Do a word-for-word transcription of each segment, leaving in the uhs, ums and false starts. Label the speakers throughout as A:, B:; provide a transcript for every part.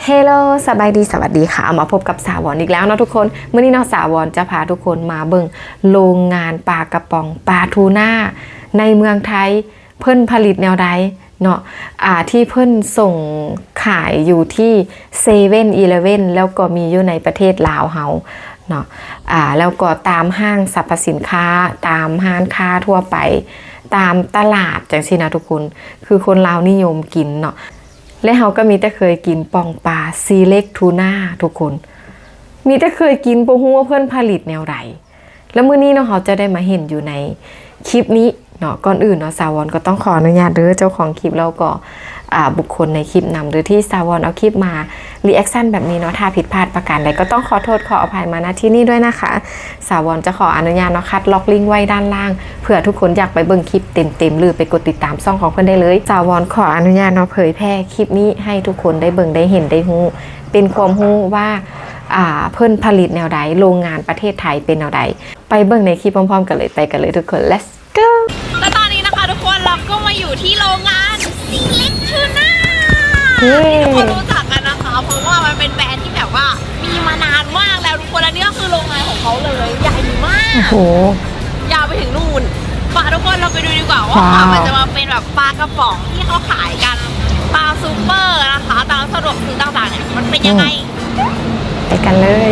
A: เฮลโลสบายดีสวัสดีค่ะมาพบกับสาวอนอีกแล้วเนาะทุกคนเมื่อนี้เนาะสาวอนจะพาทุกคนมาเบิ่งโรงงานปลากระป๋องปลาทูน่าในเมืองไทยเพิ่นผลิตแนวใดเนาะอ่าที่เพิ่นส่งขายอยู่ที่เซเว่นอีเลฟเว่นแล้วก็มีอยู่ในประเทศลาวเฮาเนาะอ่าแล้วก็ตามห้างสรรพสินค้าตามห้างค้าทั่วไปตามตลาดจังซี่นะทุกคนคือคนลาวนิยมกินเนาะและเขาก็มีแต่เคยกินปองปลาซีเล็กทูน่าทุกคนมีแต่เคยกินบ่ฮู้ว่าเพื่อนผลิตแนวใดแล้วมื้อนี้เนาะเขาจะได้มาเห็นอยู่ในคลิปนี้เนาะก่อนอื่นเนาะสาวอนก็ต้องขออนุญาตเด้อเจ้าของคลิปแล้วก็อ่าบุคคลในคลิปนำหรือที่สาวอนเอาคลิปมารีแอคชั่นแบบนี้เนาะถ้าผิดพลาดประการใดก็ต้องขอโทษขออภัยมาณที่นี่ด้วยนะคะสาวอนจะขออนุญาตเนาะคัดล็อกลิงก์ไว้ด้านล่างเผื่อทุกคนอยากไปเบิ่งคลิปเต็มๆหรือไปกดติดตามช่องของเพื่อนได้เลยสาวอนขออนุญาตเนาะเผยแพร่คลิปนี้ให้ทุกคนได้เบิ่งได้เห็นได้ฮู้เป็นความรู้ว่าอ่าเพิ่นผลิตแนวใดโรงงานประเทศไทยเป็นแนวใดไปเบิ่งในคลิปพร้อมๆกันเลยไปกันเลยทุกคน let's go
B: และตอนนี้นะคะทุกคนเราก็มาอยู่ที่โรงงานซีเล็กทูน่าทุกคนรู้จักกันนะคะเพราะว่ามันเป็นแบรนด์ที่แบบว่ามีมานานมากแล้วทุกคนและนี่ก็คือโรงงานของเขาเลยใหญ่มาก
A: โอ้โห
B: ยาวไปถึงนู่นป่าทุกคนเราไปดูดีกว่าว่ามันจะมาเป็นแบบปลากระป๋องที่เขาขายกันปลาซูเปอร์นะคะตามสะดวกซื้อต่างๆเนี่ยมันเป็นยังไง
A: ไปกันเลย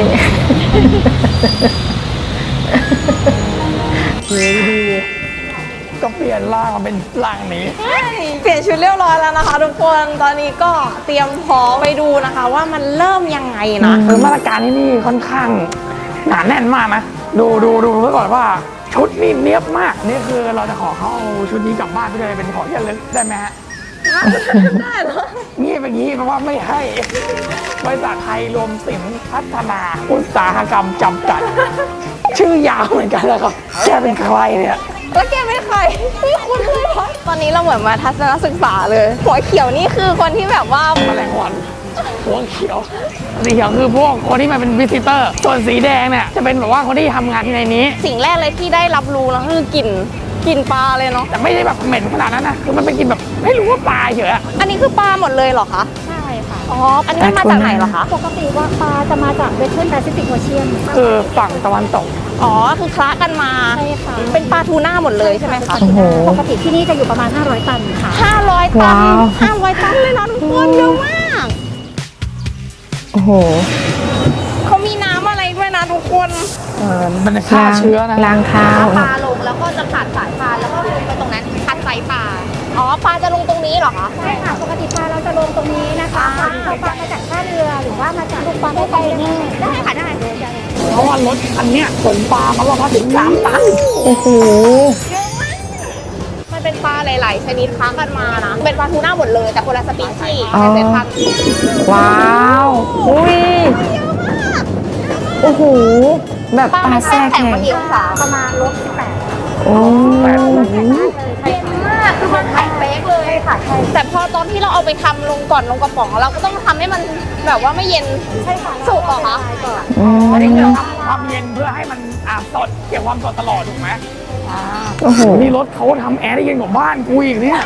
A: ดีดี
C: ก็เปลี่ยนร่างมาเป็นร่างนี้
B: เปลี่ยนชุดเรียบร้อยแล้วนะคะทุกคนตอนนี้ก็เตรียมพร้อมไปดูนะคะว่ามันเริ่มยังไงนะ
C: คือมาตรการที่นี่ค่อนข้างหนาแน่นมากนะดูดูดูไว้ก่อนว่าชุดนี่เนียบมากนี่คือเราจะขอเขาเอาชุดนี้กลับบ้านไปเลยเป็นของที่ระลึกได้ไหมฮะ
B: ได้เหรอ
C: งี้แบบนี้เพราะว่าไม่ให้บริษัทไทยรวมสินพัฒนาอุตสาหกรรมจำกัดชื่อยาวเหมือนกันแล้วครับแกเป็นใครเนี่ย
B: แล้วแกเป็นใครไม่คุ้นเลยเพราะตอนนี้เราเหมือนมาทัศนศึกษาเลยหัวเขียวนี่คือคนที่แบบว่า
C: แมลงวันหัวเขียวสีเขียวคือพวกคนที่มาเป็นวิสิเตอร์ส่วนสีแดงเนี่ยจะเป็นแบบว่าคนที่ทำงานที่ในนี้
B: สิ่งแรกเลยที่ได้รับรู้แล้วคือกลิ่นกลิ่นปลาเลยเนาะ
C: แต่ไม่ได้แบบเหม็นขนาดนั้นนะคือมันเป็นกลิ่นแบบไม่รู้ว่าปลาเฉยอะ
B: อันนี้คือปลาหมดเลยเหรอคะ
D: ใช่ค่ะ
B: อ๋ออันนี้มันมาจากไหนเหรอคะ
D: ปกติว่าปลาจะมาจากเวสเทิร์นแปซิฟิกโอเชียน
C: คือฝั่งตะวันตก
B: อ๋อคือคละกันมา
D: ใช่ค่ะ
B: เป็นปลาทูน่าหมดเลยใช่ไหมคะ
D: ปกติที่นี่จะอยู่ประมาณห้าร้อยตันค่ะ
B: ห้าร้อยตันห้าร้อยตันเลยนะทุกคนเยอะมาก
A: โอ้โห
B: เขามีน้ำอะไรด้วยนะทุกคน
C: เออมันฆ่าเชื้อนะ
A: ล้างเท้า
B: ปลาลงแล้วก็จะขาดสายปลาแล้วก็ลงไปตรงนั้นคัดไซส์ปลาอ๋อปลาจะลงตรงนี้เหรอคะ
D: ใช่ค่ะปกติปลาเราจะลงตรงนี้นะคะปลาเราปลามาจากท่าเรือหรือว่ามาจากลูกปลาได้ไปได้
B: ได้ค่ะได้
C: เพราะว่ารถคันนี้ขนปลามาว่าถึงสามตัน
A: โอ้โห
B: เยอะมากมันเป็นปลาหลายๆชนิดค้างกันมานะเป็นปลาทูน่าหมดเลยแต่คนละสปีชีส์แต่แต่พัน
A: ว้าวอุ้ยโอ้โหแบบปลาแทรกแข็ง
D: ประมาณลบแปด
A: โอ้
B: เย็นมากคือมันแข็งเป๊กเลย
D: ค่ะใช่
B: แต่พอตอนที่เราเอาไปทำลงก่อนลงกระป๋องเราก็ต้องทำให้มันแบบว่าไม่เย็น
D: ใช่ค่ะ
B: สุกเหรอคะ
C: อันนี้คือทำเย็นเพื่อให้มันอ่าสดเก็บความสดตลอดถูกไหม
A: โอ้โห
C: นี่รถเขาทำแอร์ได้เย็นกว่าบ้านกูอีกเนี่ย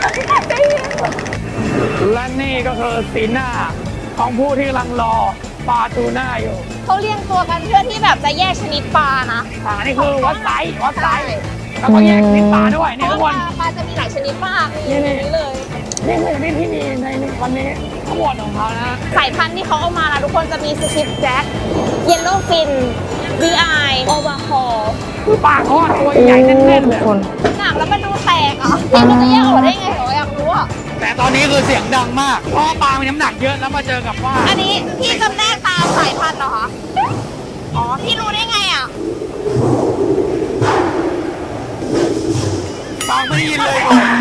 C: และนี่ก็คือสีหน้าของผู้ที่กำลังรอปลาทูน่าอยู่
B: เขาเรียงตัวกันเพื่อที่แบบจะแยกชนิดปลานะ
C: อ่านี่คือวัดไซส์วัดไซส์แล้วก็แยกชนิดปลาด้วยนี่ทุกคน
B: ปลาจะมีหลายชนิดมากนี่นี่เลย
C: นี่คือนี่ที่มีในวันนี้ทั้งหมดของเขานะ
B: สายพันธุ์ที่เขาเอามานะทุกคนจะมีสชิปแจ็คเยลโล่ฟินบีไอโอวาคอ
C: คือปลาทอดตัวใหญ่แน่นๆเลย
B: หนักแล้วมันดูแตกอ่ะพี่มันจะแยกออกได้ไงเหรออยากรู้อ่ะ
C: แต่ตอนนี้คือเสียงดังมากเพราะปลามีน้ำหนักเยอะแล้วมาเจอกับว่า
B: อันนี้พี่จำแนกตามสายพันธุ์เหรอคะอ๋อพี่รู้ได้ไงอ่ะ
C: ฟังไม่ยินเลย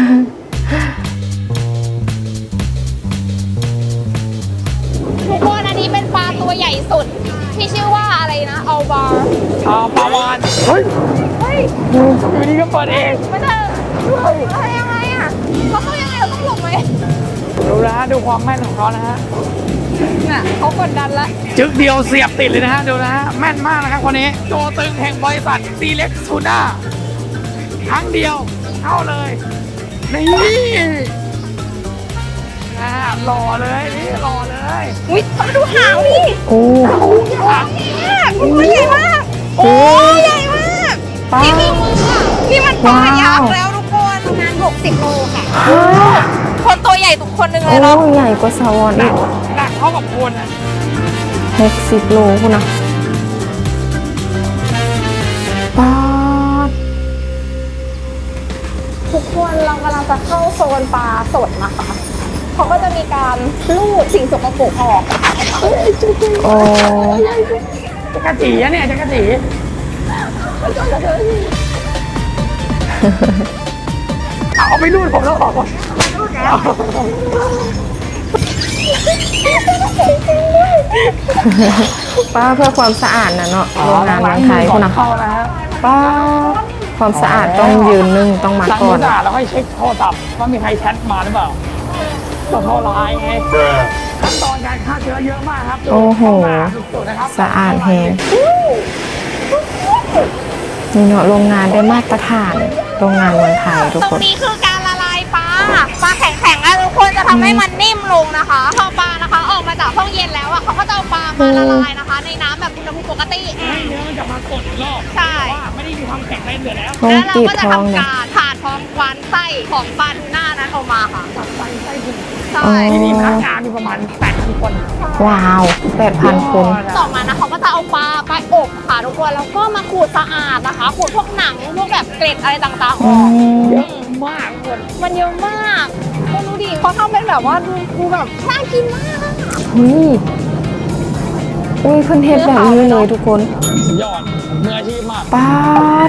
B: ทุกคนอันนี้เป็นปลาตัวใหญ่สุดที่ชื่อว่าอะไรนะอัลบาร์
C: อ่าปลาวานเฮ้ย
B: เฮ้ย
C: อยู่นี่ก็เปิดเอง
B: ไม่ได้อะไรยังไงอ่ะเขาเขายังไงเราต้องหลบไหม
C: ดูนะฮะดูความแม่นของเขานะฮะ
B: น่ะเขากดดันละ
C: จึ๊กเดียวเสียบติดเลยนะฮะดูนะฮะแม่นมากนะครับคนนี้ตัวตึงแห่งบริษัทซีเล็กทูน่าครั้งเดียวเข้าเลยนี่อ่ารอเลยนี่รอเลย
B: อุ้ยมาดูหางนี่
A: โอ้
B: มากมันใหญ่มากโอ้ใหญ่มาก
A: ป้า
B: นี่คือมืออะนี่มันปลายักษ์
A: ว้าว
B: แล้วทุกคน
D: ประมาณหกสิบโลค่ะ
B: คนตัวใหญ่ทุกคนหนึ่งเล
A: โอ้
B: ยเนาะ
A: ใหญ่กว่าสาวอน
C: หนั
A: อี
C: ก
A: ก
C: หนักเท่ากับคนนะ
A: หกสิบโลคุณนะป้าด
D: ทุกคนเรากำลังจะเข้าโซนปลาสดนะคะเขาก็จะมีการลูดสิ่งสกปรกออก
A: โอ้
C: จักรจีอะเนี่ยจักรจีเอาไปรูดผมแล้วออกก่อน
A: ป้าเพื่อความสะอาดนะเนาะโรงงานเมืองไทยคุณนะ
C: เข้านะฮะ
A: ป้าความสะอาดต้องยืนหนึ่งต้องมา
C: หลัง
A: ก่อ
C: จาน กสะอาดแล้วค่อยเช็คโทรศัพท์ว่ามีใครแชทมาหรือเปล่าตัวโทรไลน์ไงขั้นตอนการฆ่าเชื้อเยอะมากครับ
A: โอ้โห
C: สุดๆนะครับ
A: สะอาดแฮงนี่เนาะโรงงานได้มาตรฐาน โรงงานเมืองไทยทุก
B: ตร
A: ค
B: ง
A: น
B: นี้คือการละลายปลาปลาแข็งๆแล้วทุกคนจะทำให้มันนิ่มลงนะคะพอปลานะคะออกมาจากห้องเย็นแล้วอะเขาก็จะเอาปลามาละลายนะคะ ในน้ำแบบอุณหภูมิปกติ
C: ให้เนื้อมันจะมากดอีกรอบ
B: ใช่
C: เพราะว่าไม่ได้มีความแข็งในเหลือแล้ว
A: ท้อง
B: แล้วเรา
A: ตีบ
B: ก็จะ
A: ท้อง
B: ทำ
A: เนี่ย
B: การผ่าท้องควันไส้ของปลาทูน่านั้นออกมาค่ะ
C: ตัดไส้ไส้พุง
B: ใช่
A: อ๋อ
C: ที่นี่พนักงานมีประมาณแปดพันคน
A: ว้าวแปดพันคน
B: ต่อมานะเขาก็จะเอาปลาไปอบค่ะทุกคนแล้วก็มาขูดสะอาดนะคะขูดพวกหนังพวกแบบเกล็ดอะไรต่างๆอ
A: อื
B: อก
A: ม
C: เยอะมากคน
B: มันเยอะมากคุณดูดิเขาทำเป็นแบบว่าดูดูแบบน่ากินมากอะ
A: เฮ้ยอุ้ยเพิ่นเฮ็ดแบบนี้เลยทุกคน
C: สุดยอดมืออาชีพมาก
A: ป้าด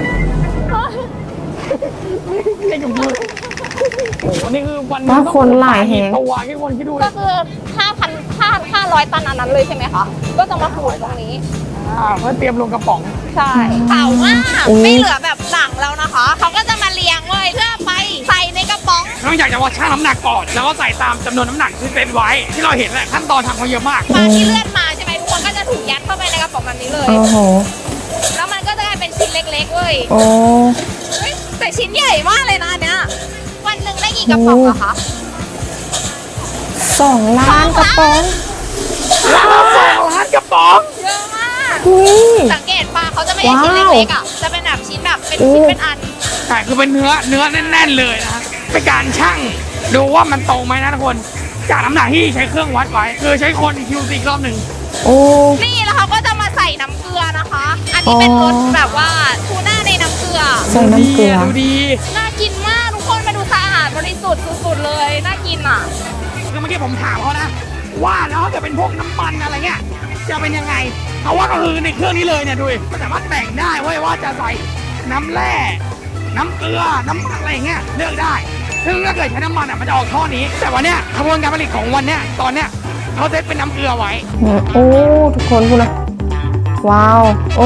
C: เล่นกับมือโอ้โหนี่คือวัน
A: ป้าคนหลายแฮง
C: ตัวแค่คนคิดดู
B: ก็คือห้าพันห้าห้าร้อยตันอันนั้นเลยใช่ไหมคะก็จะมาขูดตรงนี้
C: อ่าเพื่อเตรียมลงกระป๋อง
B: ใช่เผามากไม่เหลือแบบหลังแล้วนะคะเขาก็จะมาเรียงเลยเพื่อไปใส่ในกระป๋อง
C: นอกจากจะว่าชั่งน้ำหนักก่อน แล้วก็ใส่ตามจำนวนน้ำหนักที่เป็นไว้ ที่เราเห็นแหละขั้นตอนทำเขาเยอะมาก
B: ปลาที่เลื่อนมาใช่ไหมทุกคนก็จะถูกยัดเข้าไปในกระป๋องแบบนี้เลย
A: โอ้โห
B: แล้วมันก็จะกลายเป็นชิ้นเล็กๆเว้ย
A: โอ้
B: เฮ้ยแต่ชิ้นใหญ่มากเลยนะอันเนี้ยวันหนึ่งได้กี่กระป๋องอะคะ
A: สองล้านกระป๋อง
C: ล้านสองล้านกระป๋อง
B: เยอะมาก
A: อุ้ย
B: สังเกตปลาเขาจะไม่ใช่ชิ้น
A: ว้าว
B: เล็กๆอะจะเป็นแบบชิ้นแบบเป็น
A: โอ้
B: ชิ้นเป็นอัน
C: ใช่คือเป็นเนื้อเนื้อแน่นๆเลยนะฮะเป็นการชั่งดูว่ามันตรงไหมนะทุกคน จากน้ำหนักที่ใช้เครื่องวัดไว้ คือใช้คนคิวซีรอบหนึ่ง
A: โอ้
B: นี่แล้วเขาก็จะมาใส่น้ำเกลือนะคะ อันนี้เป็นรสแบบว่าทูน่าในน้ำเกลือ
A: ใส่น้ำเกลือ
C: ดูดี
B: น่ากินมากทุกคนมาดูสะอาดบริสุทธิ์สุดๆเลย น่ากินอ่ะ
C: คือเมื่อกี้ผมถามเขานะ ว่าแล้วถ้าเกิดเป็นพวกน้ำมันอะไรเงี้ยจะเป็นยังไงเขาว่าก็คือในเครื่องนี้เลยเนี่ยดูดิมันสามารถแต่งได้เว้ยว่าจะใส่น้ำแร่น้ำเกลือน้ำอะไรอย่างเงี้ยเลือกได้ ซึ่งถ้าเกิดใช้น้ำมันอ่ะมันจะออกท่อนี้ แต่วันเนี้ยกระบวนการผลิตของวันเนี้ยตอนเนี้ยเขาเซตเป็นน้ำเกลือไว้
A: โอ้ ทุกคนคุณนะว้าว โอ้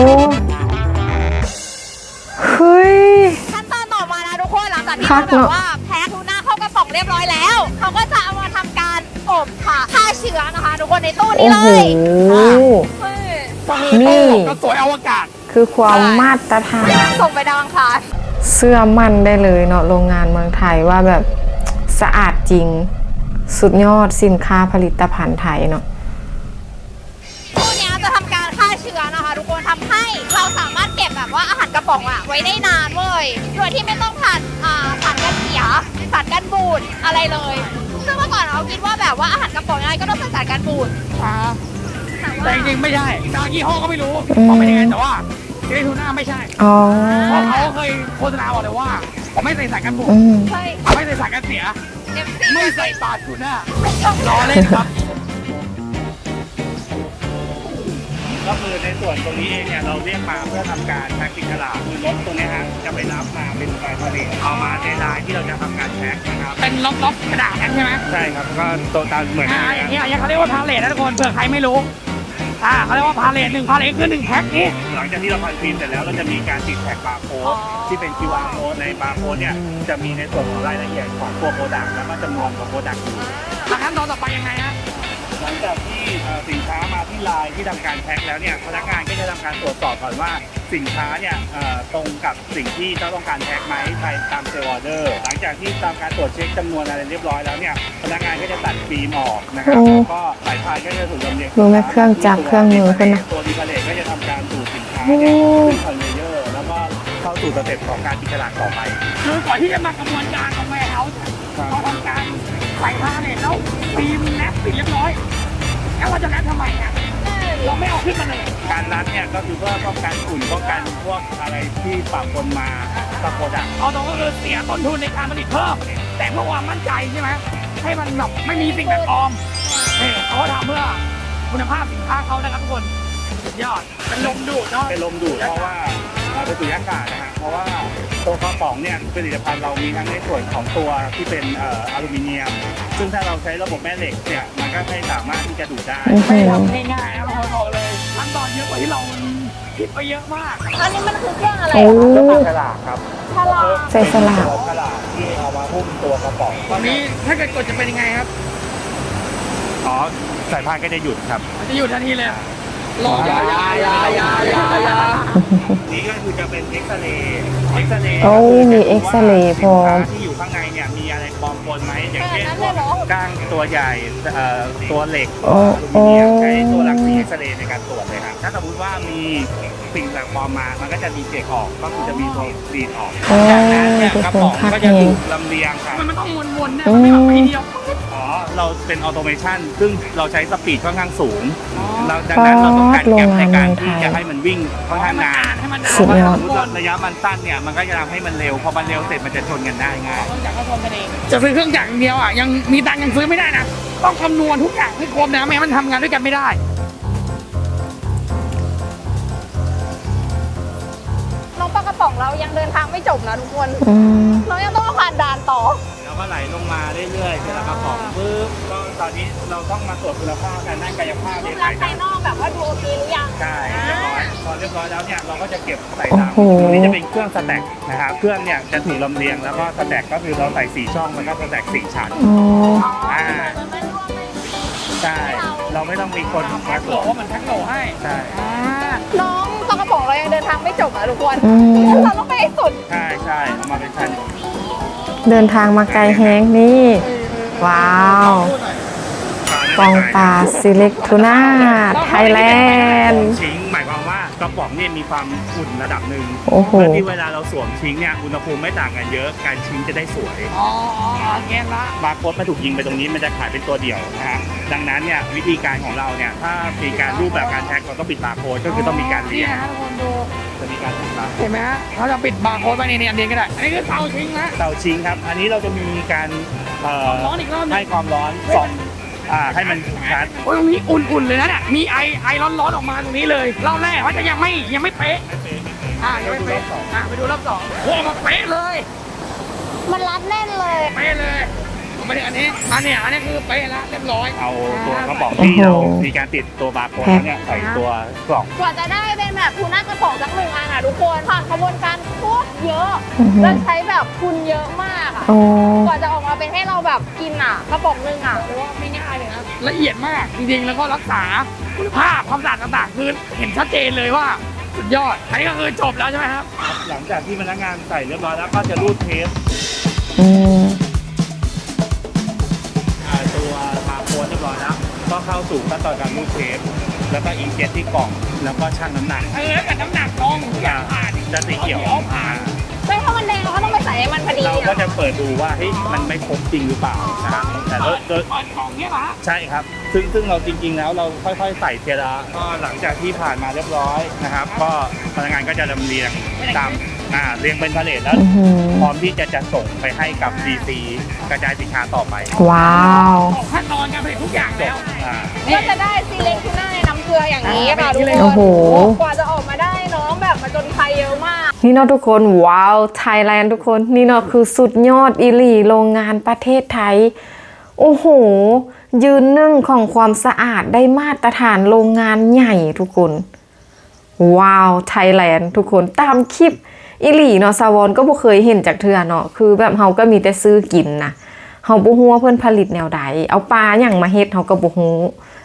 A: เฮ้ย
B: ขั้นตอนต่อมานะทุกคนหลังจากที่
A: คั
B: เรา
A: ก
B: แบ
A: เนอะ
B: บว่าแพ็คทูน่าเข้ากระป๋องเรียบร้อยแล้ว เขาก็จะเอามาทำการอบค่ะฆ่าเชื้อนะคะ ทุกคนในตู้
A: โอ้
B: นี้เล
A: โห
B: ยเฮ้ย
C: ก็คือ
A: นี่
C: ตู้อบก็สวยอวกาศ
A: คือความมาตรฐาน
B: ส่งไปดาวอังคาร
A: เสื้อมั่นได้เลยเนาะโรงงานเมืองไทยว่าแบบสะอาดจริง สุดยอดสินค้าผลิตภัณฑ์ไทยเนาะ
B: ตู้เนี้ยจะทำการฆ่าเชื้อนะคะ ทุกคนทำให้เราสามารถเก็บแบบว่าอาหารกระป๋องอะไว้ได้นานเว้ยโดยที่ไม่ต้องผ่านอ่าผ่านการเสียผ่านการบูดอะไรเลยซึ่งเมื่อก่อนเราคิดว่าแบบว่าอาหารกระป๋องยังไงก็ต้องผ่านการบูด
C: อ่า
B: แต่
C: แต่
B: ว่า
C: จริงๆไม่ใช่บางยี่ห้อก็ไม่รู้
A: อืม
C: ว่าเป็นยังไงแต่ว่าเจทูน่าไม่ใช่
A: อ๋อ
C: เพราะเขาเคยโฆษณาบอกเลยว่าไม่ใส่สารกันบูด
A: อืม
B: ใช่
C: ไม่ใส่สารกันเสีย
B: เอ็มซี
C: ไม่ใส่ปลาทูน่าล้อเล่นครับ
E: ก็คือในส่วนตรงนี้เองเนี่ยเราเรียกมาเพื่อทำการแพ็คติดฉลากคือรถตรงเนี้ยฮะจะไปรับมาเป็นใบผลิตเอามาในลายที่เราจะทำการแพ็คนะครับ
C: เป็นล็อกๆกระดาษนั้นใช่ไหม
E: ใช่ครับก็ตัวตามเหมือน
C: อ่า
E: กัน
C: อย่าง
E: นะ
C: เงี้ยอย่างเงี้ยเขาเรียกว่าพาเลทนะทุกคนเผื่อใครไม่รู้อ่าเขาเรียกว่าพาเลทหนึ่งพาเลทคือหนึ่งแพ็คนี้
E: หลังจากที่เราพันฟิล์มเสร็จแล้วเราจะมีการติดแท็กบาร์โค้ดที่เป็น คิว อาร์ code ในบาร์โค้ดเนี่ยจะมีในส่วนของรายละเอียดของตัวโปรดักต์แล้วก็จำนวนของโปรดักต์
C: แล้วขั้นตอนต่อไปยังไงฮะ
E: หลังจากที่เอ่อสินค้ามาที่ไลน์ที่ทำการแพ็คแล้วเนี่ยพนักงานก็จะทำการตรวจสอบก่อนว่าสินค้าเนี่ยเอ่อตรงกับสิ่งที่เจ้าต้องการแพ็คไหมภายตามเซลล์ออเดอร์หลังจากที่ตามการตรวจเช็คจำนวนอะไรเรียบร้อยแล้วเนี่ยพนักงานก็จะตัดฟิล์มออกนะครับแล้วก็สายพานก็จะถูกลำเลียง
A: รู้ไหมเครื่องจักรเครื่องมือเพิ่นนะ
E: ตัวดีพาเลตก็จะทำการดูดสินค้าเนี่ยขึ้นคอนเวเยอร์แล้วก็เข้าสู่สเต็ปของการติดฉลากต่อไป
C: คือก่อนที่จะมากระบวนการของแวร์เฮาส์เราทำการใส่ผ้าเนี่ยแล้วฟิล์มแนบปิดเรียบร้อยแล้วเราจะแนบทำไมอ่ะเราไม่เอาขึ้นมาเลย
E: การรัดเนี่ยก็คือเพื่อป้องกันฝุ่นป้องกันพวกอะไรที่ปะปนมาตะโกดัก
C: เอาตรงก็คือเสียต้นทุนในการผลิตเพิ่มแต่เพื่อความมั่นใจใช่ไหมให้มันแบบไม่มีสิ่งแปลกปลอมเนี่ยเขาทำเพื่อคุณภาพสินค้าเขานะครับทุกคนสุดยอดเป็นลมดูดเนาะ
E: เป็นลมดูดเพราะว่าเราเป็นสุญญากาศนะฮะเพราะว่าตัวกระป๋องเนี่ยผลิตภัณฑ์เรามีทั้งในส่วนของตัวที่เป็นเอ่ออลูมิเนียม ซึ่งถ้าเราใช้ระบบแม่เหล็กเนี่ยมันก็ไม่สามารถที่จะดูดได้
C: ไม่ทำง่ายๆนะบางคนบอกเลยขั้นตอนเยอะกว่าที่เราคิดไปเยอะมาก
B: อันนี้มันคือเครื่องอะไร
A: โอ้
B: อะ
E: ฉลากครับ
B: ฉลาก
A: ใส่สลาก
E: ฉลากที่เอามาหุ้มตัวกระป๋อง
C: ตอนนี้ถ้าเกิดกดจะเป็นยังไงครับ
E: อ๋อสายพานก็จะหยุดครับ
C: มันจะอยู่ทันทีเลยรอยายายายายายา
E: นี่ก็คือจะเป็นเอ็กซเรย์เอ็กซเรย์
A: โอ้มีเอ็กซเรย์พร้อม
E: ที่อยู่ข้างในเนี่ยมีอะไรปลอมปนไหมอย่างเช่นพวกก้างตัวใหญ่เอ่อตัวเหล็ก
A: โอ้
E: อลูมิเนียม
A: โอ้
E: ใช้ตัวรังสีเอ็กซเรย์ในการตรวจเลยครับถ้าสมมติว่ามีสิ่งแปลกปลอมมามันก็จะมีเจกออกก็คือจะมีตัวดีดออก
A: โอ้
E: จากนั้นเนี่ย
A: ทุก
E: กระ
A: คน
E: ป๋อง
A: คัก
E: ก็
A: เอ
E: จะถู
A: ง
E: กลำเลียงครับ
C: มันมันต้องวนๆเนี่ยมันไม่แบบทีเดียว
E: อ๋อเราเป็นออโตเมชันซึ่งเราใช้สปีดค่อนข้างสูงเราดังนั้นเราต้องการแก็บในการที่จะให้มันวิ่งค่อนข้างนาน
C: ให้มันนาน
A: สุดยอด
E: สมมติว่าระยะมันสั้นเนี่ยมันก็จะทำให้มันเร็วพอมันเร็วเสร็จมันจะชนกันได้ง่าย
C: จะซื้อเครื่องจักรอย่างเดียวอ่ะยังมีตังค์ยังซื้อไม่ได้นะต้องคำนวณทุกอย่างให้ครบนะไม่งั้นมันทำงานด้วยกันไม่ได้
D: น้องปลากระป๋องเรายังเดินทางไม่จบนะทุกคน
A: อืม
D: น้องยังต้องมาผ่านด่านต่อ
E: แล้วก็ไหลลงมาเรื่อยๆเสร็จแล้วกระป๋องปึ๊บก็ตอนนี้เราต้องมาตรวจคุณภาพการด้านกายภาพ
D: รู
E: ใน
D: ปลั
E: สาก ย
D: ษณ์ภายนอกแบบว่าดูโอเคหรือยัง
E: ใช่เรียบร้อยพอเรียบร้อยแล้วเนี่ยเราก็จะเก็บใส่
A: โอ้
E: ตาม
A: โห
E: ตรงนี้จะเป็นเครื่องสแต็กนะครับเครื่องเนี่ยจะถูกลำเลียงแล้วก็สแต็กก็คือเราใส่สี่ช่องแล้วก็สแต็กสี่ชั้น
A: อ๋อ
E: อ่า
D: มันไม่ร่วมไม่
E: ใช่เราไม่ต้องมีคนมา
C: แพ็ค
E: ต
C: โห
E: ร
C: ล
E: วจ
C: ว่ามันแพ็คโหลให้
E: ใช่
C: อ่า
D: น้องปลากระป๋องเรายังเดินทางไม่จบนะทุกคน
A: อืม
D: เราต้องไปให้สุด
E: ใช่ใช่เอามาเป็นชั้น
A: เดินทางมาไกลแฮงนี่ ว้าว ปองปลาซิเล็กทูน่าไทยแลนด์
E: ชิงหมายความว่ากระป๋องเนี่ยมีความอุ่นระดับหนึ่ง
A: โอ้โห
E: เพื่อที่เวลาเราสวมชิงเนี่ยอุณหภูมิไม่ต่างกันเยอะการชิงจะได้สวย
C: อ๋ออ๋อแกนละ
E: บาร์โค้ดมาถูกยิงไปตรงนี้มันจะขายเป็นตัวเดียวนะฮะดังนั้นเนี่ยวิธีการของเราเนี่ยถ้ามีการรูปแบบการแท็กเราต้องปิดบาร์โค้ดก็คือต้องมีการเรียง
C: นี่ฮะทุกคนดู
E: จะมีการปิดบาร์โค้ด
C: เห็นไหมฮะเขาจะปิดบาร์โค้ดไปในนี้อันเดียวก็ได้อันนี้คือเตาทิ้งนะ
E: เตาชิงครับ อันนี้เราจะมีการเอ่อ
C: ร้อนอีกรอบหนึ
E: ให้
C: ง
E: ความร้อนสองอ่าให้มันชัด
C: โอ้ยตรงนี้อุ่นๆเลยนะเนี่ยมีไอไอร้อนๆออกมาตรงนี้เลยรอบแรกว่าจะยังไม่ยังไม่เป๊ะอ่ายังไม่เป๊ะอ่าไปดูรอบสองโอ้มาเป๊ะเลย
D: มันรัดแน่นเลย
C: เป๊ะเลยผมไม่ถึงอันนี้อันเนี้ยอันนี้คือเป๊ะแล้วเรียบร้อย
E: เอาตัวกระป๋องที่เรามีการติดตัวบาร์โค้ดแล้วเนี่ยใส่ตัวกล่อง
D: กว่าจะได้เป็นแบบทูน่ากระป๋องสักหนึ่งอันอ่ะทุกคนผ่านกระบวนการโคตรเยอะ
A: อือหือ
D: แล้วใช้แบบคุณเยอะมากอ่ะ
A: โอ้
D: กว่าจะออกมาเป็นให้เราแบบกินอ่ะกระป๋องหนึงอ่ะ
C: หรือว่าไม่ง่ายเลยนะละเอียดมากจริงๆแล้วก็รักษาคุณภาพความสะอาดต่างๆคือเห็นชัดเจนเลยว่าสุดยอดอันนี้ก็คือจบแล้วใช่ไหมครับ
E: หลังจากที่พนักงานใส่เรียบร้อยแล้วก็จะรูดเทป
A: อืม
E: อ่าตัวบาร์โค้ดเรียบร้อยแล้วก็เข้าสู่ขั้นตอนการรูดเทปแล้วก็อินเจ็ตที่กล่องแล้วก็ชั่งน้ำหนัก
C: เออแล้วแต่น้ำหนักน้องทุกอย่างผ่าน
E: จะสีเขียว
C: ผ่าน
D: ใช่ถ้ามันแดงเราก็ต้องไปใส่ให้มันพอดี
E: เรา
D: เนี่ย
E: ก็จะเปิดดูว่าเฮ้ยมันไม่ครบจริงหรือเปล่านะครับแต่โดยโดย
C: เปิดกล่องเนี้ยเหรอฮะ
E: ใช่ครับ ซึ่งซึ่งเราจริงๆ แล้วเราค่อยๆ ใส่เทียระก็หลังจากที่ผ่านมาเรียบร้อยนะครับ ก็พนักงานก็จะลำเลียงตามอ่าเรียงเป็นพาเลทแล้ว
A: อื้อหือ
E: พร้อมที่จะจะส่งไปให้กับ ดี ซี กระจายสินค้าต่อไป
A: ว้าว
C: ออกขั้นตอนการผลิตทุกอย่างแล้ว
E: อ่า
D: ก็จะได้ซีเล็กทูน่าในน้ำเกลืออย่างนี้ค่ะทุกคน
A: โอ้โห
D: กว่าจะออกมาได้น้องแบบมาจนไฟเยอะมาก
A: นี่เนาะทุกคน ว้าวไทยแลนด์ทุกคนนี่เนาะคือสุดยอดอีหลีโรงงานประเทศไทย โอ้โห ยืนหนึ่งของความสะอาดได้มาตรฐานโรงงานใหญ่ทุกคน ว้าวไทยแลนด์ทุกคนตามคลิปอีหลีเนาะสาวอนก็บ่เคยเห็นจากเทื่อเนาะคือแบบเฮาก็มีแต่ซื้อกินนะเฮาบ่ฮู้ว่าเพิ่นผลิตแนวใดเอาปลาหยังมาเฮ็ดเฮาก็บ่ฮู้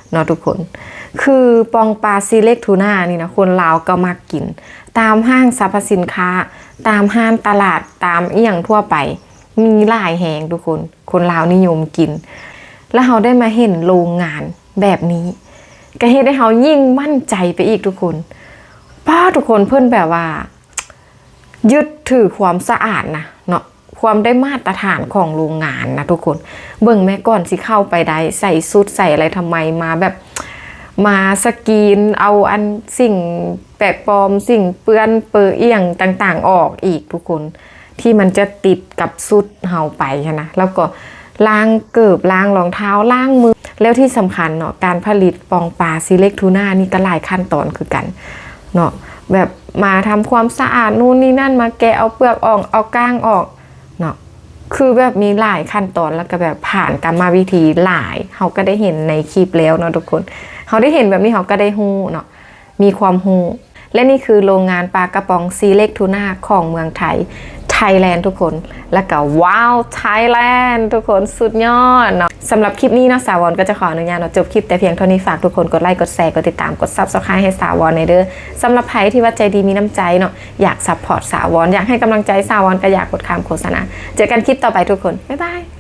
A: เนาะทุกคนคือปองปลาซีเล็กทูน่านี่นะคนลาวก็มักกินตามห้างสรรพสินค้าตามห้างตลาดตามเอี่ยงทั่วไปมีหลายแหงทุกคนคนลาวนิยมกินแล้วเราได้มาเห็นโรงงานแบบนี้ก็เฮ็ดให้เรายิ่งมั่นใจไปอีกทุกคนป้าทุกคนเพิ่นแบบว่ายึดถือความสะอาดนะเนาะความได้มาตรฐานของโรงงานนะทุกคนเบิ่งแม่ก่อนสิเข้าไปได้ใส่ชุดใส่อะไรทำไมมาแบบมาสกรีนเอาอันสิ่งแปลกปลอมสิ่งเปื้อนเปื้อเอี่ยงต่างๆออกอีกทุกคนที่มันจะติดกับชุดเฮาไปนะแล้วก็ล้างเกิบล้างรองเท้าล้างมือแล้วที่สำคัญเนาะการผลิตปองปลาซีเล็กทูน่านี่ก็หลายขั้นตอนคือกันเนาะแบบมาทำความสะอาดนู่นนี่นั่นมาแกะเอาเปลือกออกเอาก้างออกเนาะคือแบบมีหลายขั้นตอนแล้วก็แบบผ่านกรรมวิธีหลายเขาก็ได้เห็นในคลิปแล้วเนาะทุกคนเขาได้เห็นแบบนี้เขาก็ได้ฮู้เนาะมีความฮู้และนี่คือโรงงานปลากระป๋องซีเล็กทูน่าของเมืองไทยไทยแลนด์ทุกคนแล้วก็ว้าวไทยแลนด์ทุกคนสุดยอดเนาะสำหรับคลิปนี้เนาะสาววอนก็จะขออนุญาตเนาะจบคลิปแต่เพียงเท่านี้ฝากทุกคนกดไลค์กดแชร์กดติดตามกด ซับสไครบ์ ให้สาววอนในเด้อสำหรับใครที่ว่าใจดีมีน้ำใจเนาะอยากซัพพอร์ตสาววอนอยากให้กำลังใจสาววอนก็อยากกดคำโฆษณาเจอกันคลิปต่อไปทุกคนบ๊ายบาย